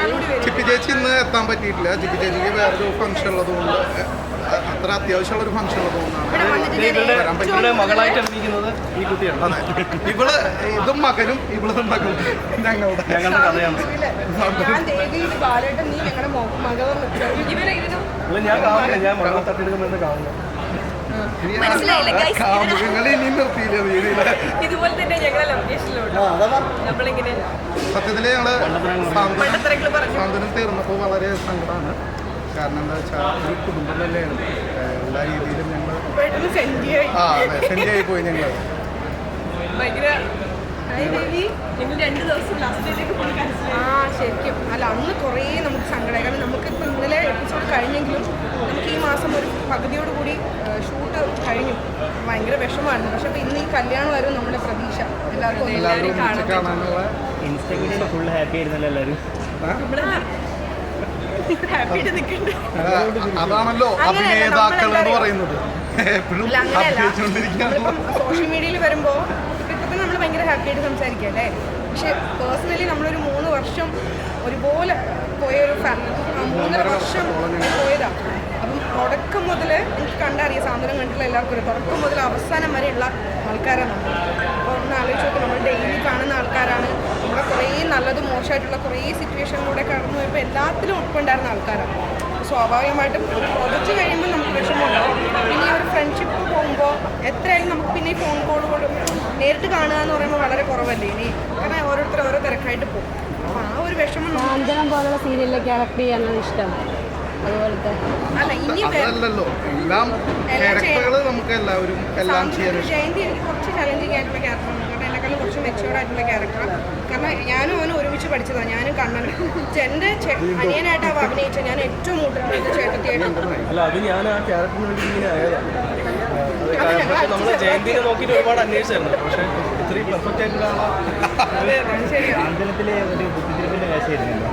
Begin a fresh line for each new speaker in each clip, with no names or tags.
ചിപ്പി ചേച്ചി ഇന്ന് എത്താൻ പറ്റിയിട്ടില്ല. ചിപ്പി ചേച്ചിക്ക് വേറൊരു ഫംഗ്ഷൻ ഉള്ളതുകൊണ്ട്, അത്ര അത്യാവശ്യമുള്ളൊരു ഫംഗ്ഷൻ ഉള്ളതുകൊണ്ടാണ്
മകളായിട്ട് അഭിനയിക്കുന്നത് ഈ കുട്ടിയാണ്.
അതെ, ഇവള് ഇതും മകനും ഇവളും മകളും ഞങ്ങളുടെ
കഥയാണ്. ഞാൻ കാണില്ല, ഞാൻ മകളെ തട്ടിയെടുക്കുമ്പോൾ കാണുന്നു.
ഇതുപോലെ തന്നെ ഞങ്ങളെ ലൊക്കേഷനിലുണ്ട്. നമ്മളിങ്ങനെ
സത്യത്തില് ഞങ്ങള് സാന്ത്വനം തീർന്നപ്പോൾ വളരെ സങ്കടമാണ്. കാരണം എന്താ വെച്ചാൽ ഒരു കുടുംബം തന്നെയാണ്. എല്ലാ രീതിയിലും ഞങ്ങൾ സെൻഡിയായി പോയി. ഞങ്ങൾ
ഭയങ്കര ശരിക്കും അല്ല, അന്ന് കുറേ നമുക്ക് സങ്കടമായി. കാരണം നമുക്കിപ്പോൾ ഇന്നലെ എപ്പിസോഡ് കഴിഞ്ഞെങ്കിലും നമുക്ക് ഈ മാസം ഒരു പകുതിയോടുകൂടി ഷൂട്ട് കഴിഞ്ഞു. ഭയങ്കര വിഷമമായിരുന്നു. പക്ഷെ അപ്പോൾ ഇന്ന് ഈ കല്യാണം വരും നമ്മുടെ പ്രതീക്ഷ എല്ലാവർക്കും
കാണാനുള്ള
ഇൻസ്റ്റാഗ്രാമിൽ ഫുൾ ഹാപ്പി ആയിരുന്നല്ലോ എല്ലാവരും.
അതാണല്ലോ അഭിനേതാക്കൾ എന്ന് പറയുന്നത്. എപ്പോഴും
സോഷ്യൽ മീഡിയയിൽ വരുമ്പോൾ ഇപ്പം നമ്മൾ ഭയങ്കര ഹാപ്പി ആയിട്ട് സംസാരിക്കുക അല്ലേ. പക്ഷെ പേഴ്സണലി നമ്മളൊരു 3 വർഷം ഒരുപോലെ പോയൊരു 3.5 വർഷം പോയതാണ്. അപ്പം തുടക്കം മുതൽ എനിക്ക് കണ്ടറിയാം, സാന്ത്വനം കണ്ടിട്ടുള്ള എല്ലാവർക്കും തുടക്കം മുതൽ അവസാനം വരെയുള്ള ആൾക്കാരാണ് നമ്മൾ. അപ്പോൾ ഒന്ന് ആലോചിച്ച് നോക്കും, നമ്മൾ ഡെയിലി കാണുന്ന ആൾക്കാരാണ്. നമ്മുടെ കുറേ നല്ലതും മോശമായിട്ടുള്ള കുറേ സിറ്റുവേഷനിലൂടെ കടന്നു പോയപ്പോൾ എല്ലാത്തിലും ഒപ്പമുണ്ടായിരുന്ന ആൾക്കാരാണ്. സ്വാഭാവികമായിട്ടും ഒരു പ്രൊജക്റ്റ് കഴിയുമ്പോൾ നമുക്ക് വിഷമമുണ്ടാവും. പിന്നെ ഒരു ഫ്രണ്ട്ഷിപ്പ് പോകുമ്പോൾ എത്രയായാലും നമുക്ക് പിന്നെ ഈ ഫോൺ കോളുകളും നേരിട്ട് കാണുക എന്ന് പറയുമ്പോൾ വളരെ കുറവല്ലേ ഇനി. കാരണം ഓരോരുത്തർ ഓരോ തിരക്കായിട്ട് പോകും. അപ്പോൾ ആ ഒരു വിഷമം
സാന്ത്വനം പോലുള്ള സീരിയലിലൊക്കെ ആക്ട് ചെയ്യാനാണ് ഇഷ്ടം. അതുപോലത്തെ
അല്ല, ഇനി
അതല്ലല്ലോ, എല്ലാം ക്യാരക്ടറുകൾ നമുക്ക് എല്ലാവരും എല്ലാം ചെയ്യാൻ.
ജയന്തി എനിക്ക് കുറച്ച് ചലഞ്ചിങ് ആയിട്ടുള്ള ക്യാരക്ടറാണ്. കാരണം എന്നെക്കാളും കുറച്ച് മെച്ചുവേർഡ് ആയിട്ടുള്ള ക്യാരക്ടറാണ്. കാരണം ഞാനും അവനും ഒരുമിച്ച് പഠിച്ചതാണ്. ഞാനും കണ്ണനും എൻ്റെ അനിയനായിട്ട് അവ അഭിനയിച്ച ഞാൻ ഏറ്റവും കൂടുതൽ ചേട്ടത്തിയായിട്ട്.
അല്ല, അത് ഞാൻ ആ ക്യാരക്ടറിന് വേണ്ടി ഇങ്ങനെ ആയതാണ്. നമ്മൾ ജയന്തിനെ നോക്കിയിട്ട് ഒരുപാട് അന്വേഷിച്ചായിരുന്നു. പക്ഷേ ഇത്രയും പെർഫെക്റ്റ് ആയിട്ടുള്ള ആന്തരത്തിലെ ഒരു ബുദ്ധിമുട്ടിന്റെ കാശായിരുന്നല്ലോ.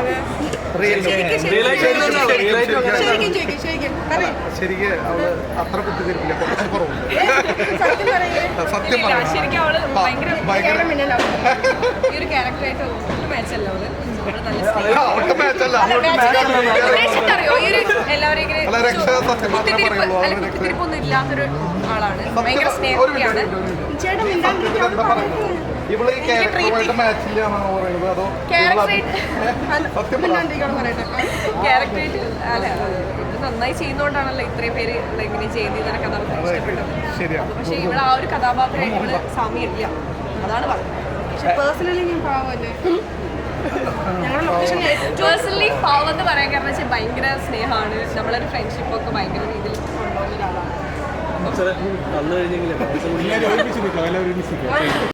ശരിക്കും അവള് അത്ര ബുദ്ധിമുട്ടില്ല, കുറച്ച് കുറവുണ്ട്. സത്യം
ശരിക്കും അവള് ഭയങ്കര ഈ ഒരു ക്യാരക്ടറായിട്ട് മാച്ചല്ല അവള്.
അവൾക്ക് മാച്ചല്ല,
അറിയോ ഈ ഒരു എല്ലാവരും ഇങ്ങനെ കുത്തിരിപ്പൊന്നും ഇല്ലാത്തൊരു ആളാണ്. ഭയങ്കര സ്നേഹമാണ്.
ഇവള് ഈ ക്യാരക്ടറുമായിട്ട് മാച്ചില്ല എന്നാണ് പറയുന്നത്. അതോ
ക്യാരക്ടറായിട്ട് അല്ല, ഇത് നന്നായി ചെയ്യുന്നതുകൊണ്ടാണല്ലോ ഇത്രയും പേര് ഇങ്ങനെ ചെയ്യുന്നതിനെ കഥാപാത്രം ഇഷ്ടപ്പെട്ടത്. പക്ഷെ ഇവിടെ ആ ഒരു കഥാപാത്രമായിട്ട് ഇവിടെ സാമ്യമില്ല, അതാണ് പറഞ്ഞത്. പക്ഷെ പേഴ്സണലി ഞാൻ പാവല്ലേ, പേഴ്സണലി പാവം എന്ന് പറയാൻ കാരണം വെച്ചാൽ ഭയങ്കര സ്നേഹമാണ്. നമ്മളൊരു ഫ്രണ്ട്ഷിപ്പൊക്കെ ഭയങ്കര രീതിയിൽ കൊണ്ടുപോകുന്ന ഒരാളാണ്.
വന്നു കഴിഞ്ഞെങ്കിലും